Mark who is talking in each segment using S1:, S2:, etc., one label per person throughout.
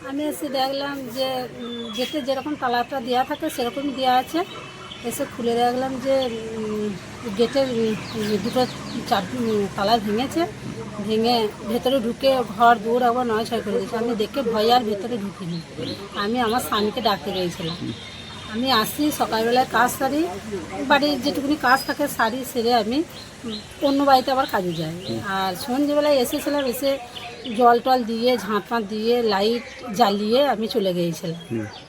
S1: আমি এসে দেখলাম যে গেটে যেরকম তালাটা দেওয়া থাকে সেরকমই দেওয়া আছে। এসে খুলে দেখলাম যে গেটের দুটো তালা ভেঙেছে, ভেঙে ভেতরে ঢুকে ঘর দৌড় আবার নয় করে দিয়েছে। আমি দেখে ভয় আর ভেতরে ঢুকিনি। আমি আমার স্বামীকে ডাকতে গিয়েছিলাম। আমি আসি সকালবেলায় কাজ সারি, বাড়ির যেটুকুনি কাজ থাকে সারি সেরে আমি অন্য বাড়িতে আবার কাজে যাই। আর সন্ধ্যেবেলায় এসেছিলাম, এসে জল টল দিয়ে ঝাঁট ফাঁট দিয়ে লাইট জ্বালিয়ে আমি চলে গিয়েছিলাম।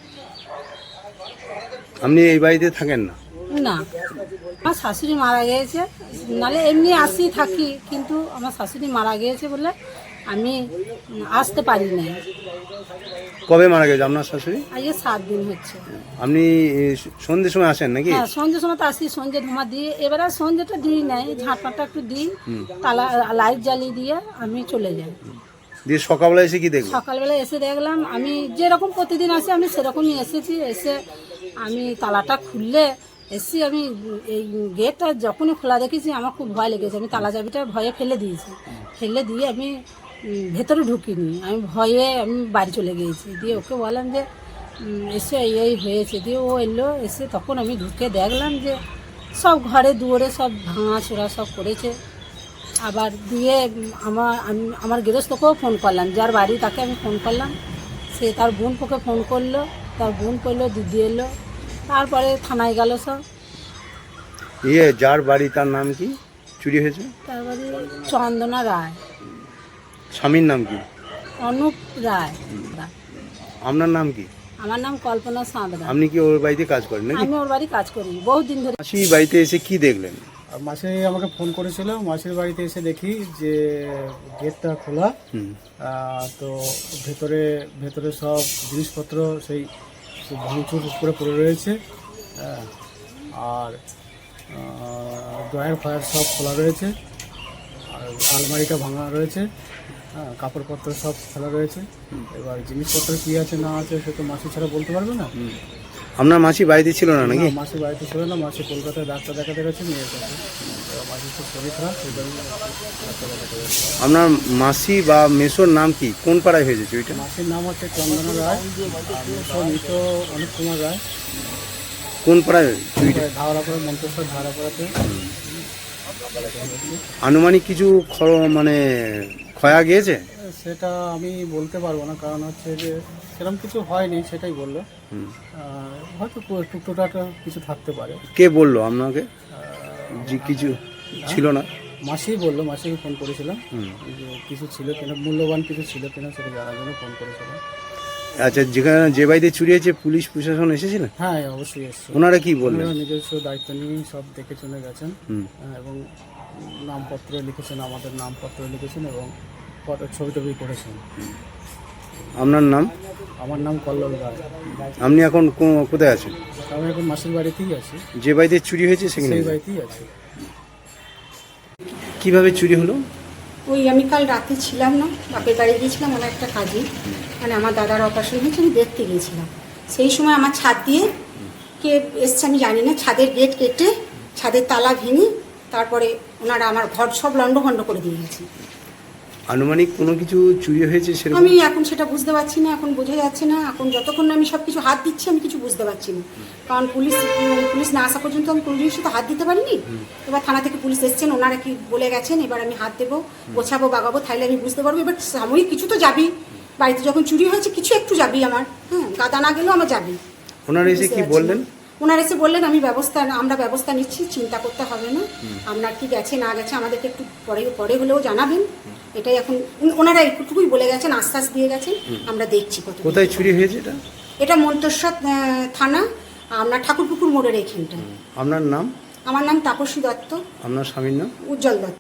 S2: আপনি এই বাড়িতে থাকেন না?
S1: না, আমার শাশুড়ি মারা গিয়েছে, নাহলে এমনি আসি থাকি, কিন্তু আমার শাশুড়ি মারা গিয়েছে বলে আমি আসতে পারি না।
S2: কবে মারা গেছে আপনার শাশুড়ি?
S1: আজকে 7 দিন হচ্ছে।
S2: আপনি সন্ধ্যের সময় আসেন নাকি?
S1: হ্যাঁ, সন্ধ্যের সময় তো আসি, সন্ধ্যে ধোঁয়া দিয়ে। এবারে সন্ধ্যেটা দিই নাই, ঝাঁটপাটা একটু দিই, তালা লাইট জ্বালিয়ে দিয়ে আমি চলে যাই।
S2: দিয়ে সকালবেলা এসে কি দেখলেন?
S1: সকালবেলা এসে দেখলাম আমি যেরকম প্রতিদিন আসি আমি সেরকমই এসেছি। এসে আমি তালাটা খুললে এসে আমি এই গেটটা যখনই খোলা দেখেছি আমার খুব ভয় লেগেছে। আমি তালা চাবিটা ভয়ে ফেলে দিয়েছি, ফেলে দিয়ে আমি ভেতরে ঢুকিনি। আমি ভয়ে আমি বাড়ি চলে গিয়েছি। দিয়ে ওকে বললাম যে এসে এই হয়েছে। দিয়ে ও এলো, এসে তখন আমি ঢুকে দেখলাম যে সব ঘরে দুয়ারে সব ভাঙাচোরা সব করেছে। আবার দিয়ে আমার গৃহস্থকেও ফোন করলাম, যার বাড়ি তাকে আমি ফোন করলাম। সে তার বোনকে ফোন করলো, তার বোন করলো, দিদি এলো, তারপরে থানায় গেল সব।
S2: যার বাড়ি তার নাম কি চুরি হয়েছে?
S1: তারপরে চন্দনা রায়।
S2: স্বামীর নাম কি?
S1: অনুপ রায়।
S2: আপনার নাম কি?
S1: আমার নাম কল্পনা সাঁতরা।
S2: আপনি কি ওর বাড়িতে কাজ করেন নাকি?
S1: আমি ওর বাড়ি কাজ করি বহুত দিন ধরে।
S2: মাসি বাড়িতে এসে কি দেখলেন?
S3: মাসি আমাকে ফোন করেছিল। মাসির বাড়িতে এসে দেখি যে গেটটা খোলা, তো ভেতরে সব জিনিসপত্র সেই ভাঙচুর করে পড়ে রয়েছে, আর ড্রয়ার ফায়ার সব খোলা রয়েছে, আর আলমারিটা ভাঙা রয়েছে, কাপড়পত্র সব খোলা রয়েছে। এবার জিনিসপত্র কী আছে না আছে সে তো মাসি ছাড়া বলতে পারবে না।
S2: আপনার মাসি বাড়িতে ছিল না নাকি?
S3: মাসি বাড়িতে ছিল না, মাসি কলকাতায় ডাক্তার দেখাতে গেছে মেয়ের কাছে। মাসির খুব শরীর খারাপ, সেই জন্য ডাক্তার দেখাতে গেছে।
S2: আপনার মাসি বা মেসোর নাম কি? কোন পাড়ায় হয়েছে চুরিটা?
S3: মাসির নাম হচ্ছে চন্দনা রায়, আর মেসো অনুপ কুমার রায়।
S2: কোন পাড়ায় চুরিটা?
S3: ধাওড়াপাড়া, মন্তেশ্বর ধাওড়াপাড়াতে।
S2: আনুমানিক কিছু মানে ক্ষয়া গিয়েছে?
S3: সেটা আমি বলতে পারবো না, কারণ হচ্ছে যে সেরকম কিছু হয়নি, সেটাই বললো। হয়তো টুকটোটাটা কিছু থাকতে পারে।
S2: কে বললো আপনাকে যে কিছু ছিল না?
S3: মাসি বললো, মাসিকে ফোন করেছিলাম যে কিছু ছিল কিনা, মূল্যবান কিছু ছিল কিনা সেটা জানার জন্য ফোন করেছিলাম।
S2: আচ্ছা, যে বাড়িতে চুরি হয়েছে পুলিশ প্রশাসন এসেছিলেন?
S3: হ্যাঁ, অবশ্যই এসছে।
S2: ওনারা কি বললেন?
S3: ওনারা নিজস্ব দায়িত্ব নিয়ে সব দেখে চলে গেছেন, এবং নামপত্র লিখেছেন, আমাদের নামপত্র লিখেছেন, এবং ছবি টবি করেছেন।
S2: আপনার নাম?
S3: আমার নাম কল্লোল রায়।
S2: আপনি এখন কোথায় আছেন?
S3: আমি এখন মাসির বাড়িতেই আছি।
S2: যে বাড়িতে চুরি হয়েছে সেখানে?
S3: সেই বাড়িতেই আছি।
S2: কিভাবে চুরি হলো?
S4: ওই আমি কাল রাতে ছিলাম না, বাপের বাড়ি গিয়েছিলাম ওনার একটা কাজে, মানে আমার দাদার অপারেশন হয়েছে, আমি দেখতে গিয়েছিলাম। সেই সময় আমার ছাদ দিয়ে কে এসছে আমি জানি না, ছাদের গেট কেটে ছাদের তালা ভেঙে তারপরে ওনারা আমার ঘর সব লন্ডভন্ড করে দিয়ে গেছে।
S2: আনুমানিক কোনো কিছু চুরি হয়েছে সেরকম?
S4: আমি এখন সেটা বুঝতে পারছি না, এখন বোঝা যাচ্ছে না। এখন যতক্ষণ না আমি সব কিছু হাত দিচ্ছি আমি কিছু বুঝতে পারছি না, কারণ পুলিশ না আসা পর্যন্ত আমি কোনো জিনিসে তো হাত দিতে পারিনি। এবার থানা থেকে পুলিশ এসছেন, ওনারা কি বলে গেছেন, এবার আমি হাত দেবো, গোছাবো, বাগাবো, তাহলে আমি বুঝতে পারবো। এবার সাময়িক কিছু তো যাবি, বাড়িতে যখন চুরি হয়েছে কিছু একটু যাবি আমার, গাদা না গেলেও আমার যাবি।
S2: ওনারা এসে কি বললেন?
S4: ওনারা এসে বললেন আমরা ব্যবস্থা নিচ্ছি, চিন্তা করতে হবে না, আপনার কি গেছে না গেছে আমাদেরকে একটু পরে হলেও জানাবেন। এটাই এখন ওনারা একটুকুই বলে গেছেন, আশ্বাস দিয়ে গেছেন, আমরা দেখছি।
S2: কোথায় চুরি হয়েছে এটা?
S4: এটা মন্তেশ্বর থানা, আপনার ঠাকুরপুকুর মোড়ের এইখানটা।
S2: আপনার নাম?
S4: আমার নাম তাপসী দত্ত।
S2: আপনার স্বামীর নাম?
S4: উজ্জ্বল দত্ত।